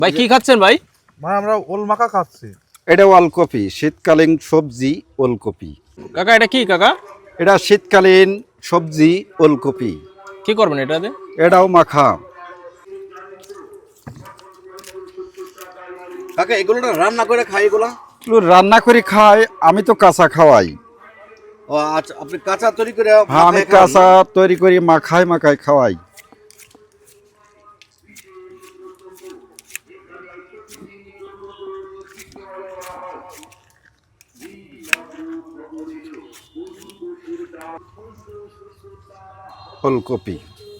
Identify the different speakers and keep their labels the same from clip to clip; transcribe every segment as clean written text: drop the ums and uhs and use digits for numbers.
Speaker 1: ভাই কি খাচ্ছেন ভাই?
Speaker 2: ভাই আমরা ওল মাখা খাচ্ছি।
Speaker 3: এটা ওলকপি, শীতকালীন সবজি ওলকপি।
Speaker 1: কাকা এটা কি কাকা?
Speaker 3: এটা শীতকালীন সবজি ওলকপি।
Speaker 1: কি করবেন এটাতে?
Speaker 3: এটাও মাখা।
Speaker 4: কাকা এগুলো না রান্না করে খাই এগুলা?
Speaker 3: এগুলো রান্না করে খাই, আমি তো কাঁচা খাওয়াই।
Speaker 4: ও আচ্ছা, আপনি কাঁচা তৈরি করে
Speaker 3: হ্যাঁ, আমি
Speaker 4: মাখায় খান
Speaker 3: কাঁচা
Speaker 4: না?
Speaker 3: তৈরি করি মাখায় খাওয়াই। ফুলকপি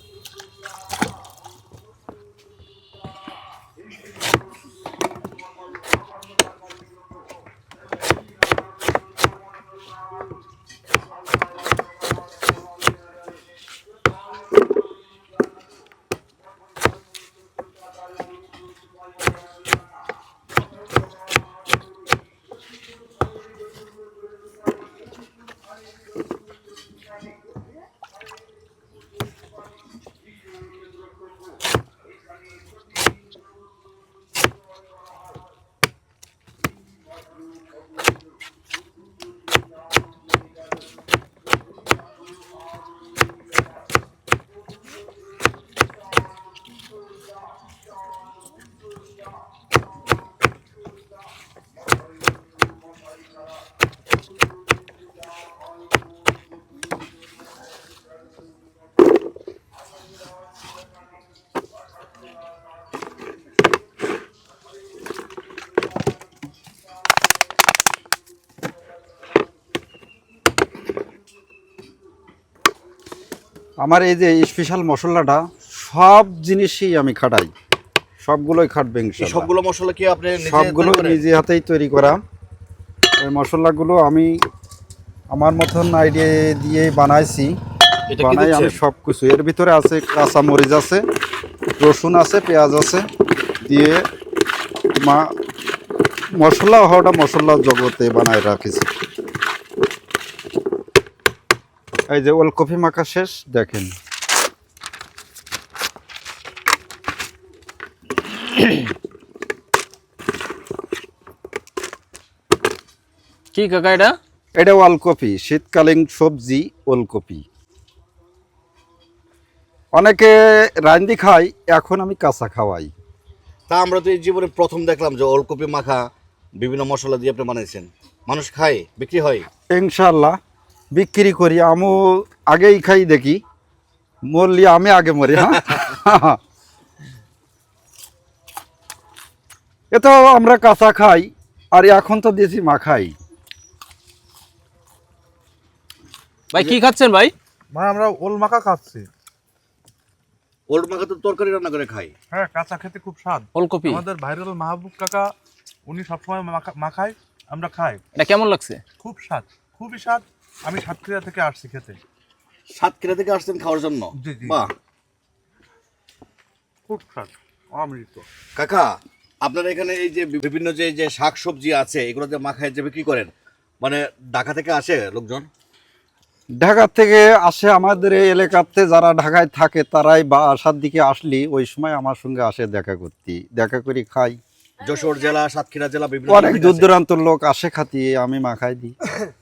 Speaker 3: আমার এই যে স্পেশাল মশলাটা সব জিনিসই আমি খাটাই, সবগুলোই খাটবে
Speaker 4: এই
Speaker 3: ইনশাআল্লাহ।
Speaker 4: সবগুলো মশলা কি আপনি নিজে
Speaker 3: সবগুলো
Speaker 4: তৈরি করেন?
Speaker 3: নিজে হাতেই তৈরি করা। ওই মশলাগুলো আমি আমার মতন আইডিয়া দিয়ে বানাইছি।
Speaker 4: এটা কি
Speaker 3: বানাই আমি
Speaker 4: দিচ্ছেন?
Speaker 3: সব কিছু, এর ভিতরে আছে কাঁচা মরিচ আছে, রসুন আছে, পেঁয়াজ আছে, দিয়ে মশলা হওয়াটা মশলা জগতে বানায় রাখিছি। এই যে ওলকপি মাখা শেষ, দেখেন।
Speaker 1: কি কাকা এটা?
Speaker 3: এটা ওলকপি, শীতকালীন সবজি ওলকপি। অনেকে রান্দি খায়, এখন আমি কাঁচা খাওয়াই।
Speaker 4: তা আমরা তো এই জীবনে প্রথম দেখলাম যে ওলকপি মাখা বিভিন্ন মশলা দিয়ে আপনি বানাইছেন। মানুষ খায়, বিক্রি হয়?
Speaker 3: ইনশাআল্লাহ বিক্রি করি, আমিও আগেই খাই, দেখি মরলি আমি আগে মরি। হ্যাঁ, এতো আমরা কাঁচা খাই, আর এখন তো দেশি মাখাই।
Speaker 1: ভাই কি খাচ্ছেন ভাই?
Speaker 2: ভাই আমরা ওল মাখা খাচ্ছি।
Speaker 4: ওল মাখা তো তরকারি রান্না করে খাই।
Speaker 2: হ্যাঁ, কাঁচা খেতে খুব স্বাদ।
Speaker 1: ফুলকপি
Speaker 2: আমাদের ভাইরাল মাহবুব কাকা উনি সবসময় মাখায়, আমরা খাই।
Speaker 1: এটা কেমন লাগছে?
Speaker 2: খুব স্বাদ, খুবই স্বাদ। আমি সাতক্ষীরা থেকে আসছি খেতে।
Speaker 4: সাতক্ষীরা থেকে আসছেন খাওয়ার জন্য?
Speaker 2: জি, জি।
Speaker 4: বাহ।
Speaker 2: খুব স্বাদ, অমৃত।
Speaker 4: কাকা আপনারা এখানে এই যে বিভিন্ন যে শাক সবজি আছে এগুলো যে মাখায় যে বিক্রি করেন, মানে ঢাকা থেকে আসে লোকজন?
Speaker 3: ঢাকা থেকে আসে, আমাদের এই এলাকাতে যারা ঢাকায় থাকে তারাই বা আসার দিকে আসলি ওই সময় আমার সঙ্গে আসে দেখা করি খাই।
Speaker 4: যশোর জেলা, সাতক্ষীরা জেলা বিভিন্ন
Speaker 3: অনেক
Speaker 4: জায়গা
Speaker 3: দূর
Speaker 4: আছে।
Speaker 3: দূরান্তর লোক আসে খাতিয়ে, আমি মাখাই দিই।